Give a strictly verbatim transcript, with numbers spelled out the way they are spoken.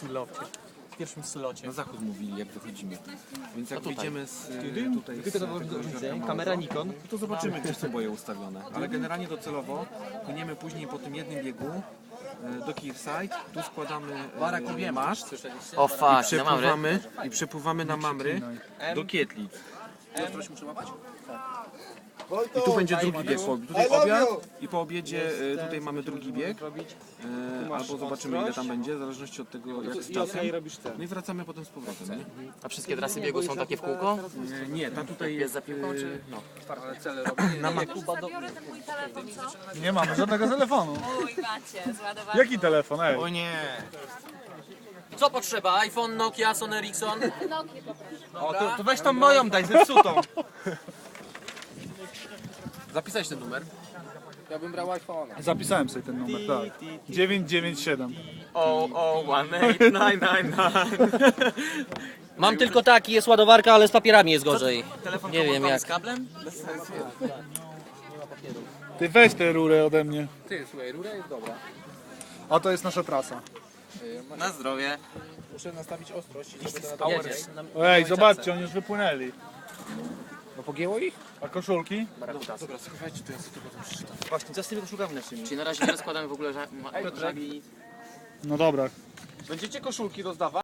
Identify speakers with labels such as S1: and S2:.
S1: singlocie. W pierwszym slocie.
S2: Na zachód mówili, jak wychodzimy. Więc jak
S1: tutaj.
S2: wyjdziemy z tutaj z
S1: Tylko to
S2: tego
S1: widzę,
S2: jeziorka Małego,
S1: kamera Nikon.
S2: to zobaczymy, gdzie są boje ustawione. Ale generalnie docelowo płyniemy później po tym jednym biegu e, do Kirside. Tu składamy e, maszt
S1: O
S2: i
S1: fuck, na mamry.
S2: przepływamy, i przepływamy na Mamry do Kietlic. I tu będzie drugi bieg. po- Tutaj obiad i po obiedzie e, tutaj mamy drugi bieg. E, albo zobaczymy, ile tam będzie, w zależności od tego, jak z czasem. No i wracamy potem z powrotem, nie?
S1: A wszystkie trasy biegu są takie w kółko?
S2: E, Nie, ta tutaj jest...
S1: za piłką,
S2: e,
S1: czy-
S2: No.
S3: Na ma...
S4: Zabiorę ten mój telefon, co?
S3: Nie mamy żadnego telefonu.
S4: Uj, macie, zładowanie.
S3: Jaki telefon, ej?
S2: O nie!
S1: Co potrzeba? iPhone, Nokia, Sony Ericsson?
S5: O, to, to weź tą moją daj, zepsutą.
S1: Zapisać ten numer.
S5: Ja bym brał iPhone.
S3: Zapisałem sobie ten numer, tak. dziewięć dziewięć siedem.
S1: O, o, one eight nine nine nine.
S6: Mam tylko taki, jest ładowarka, ale z papierami jest gorzej.
S1: Telefon
S6: Nie wiem
S1: komórkowy
S6: jak.
S1: z kablem?
S3: Ty weź tę rurę ode mnie.
S5: Ty, słuchaj, rura jest dobra.
S3: A to jest nasza trasa.
S1: Na zdrowie.
S5: Muszę nastawić ostrość, żeby to na
S1: Jedziesz.
S3: Ej, zobaczcie, oni już wypłynęli.
S5: No pogięło ich?
S3: A koszulki?
S2: Dobra, słuchajcie, to ja sobie tego tam przeczytam.
S5: Właśnie, co z tymi koszulkami naszymi?
S1: Czyli na razie nie rozkładamy w ogóle ża- ma- żagli.
S3: No dobra.
S5: Będziecie koszulki rozdawać?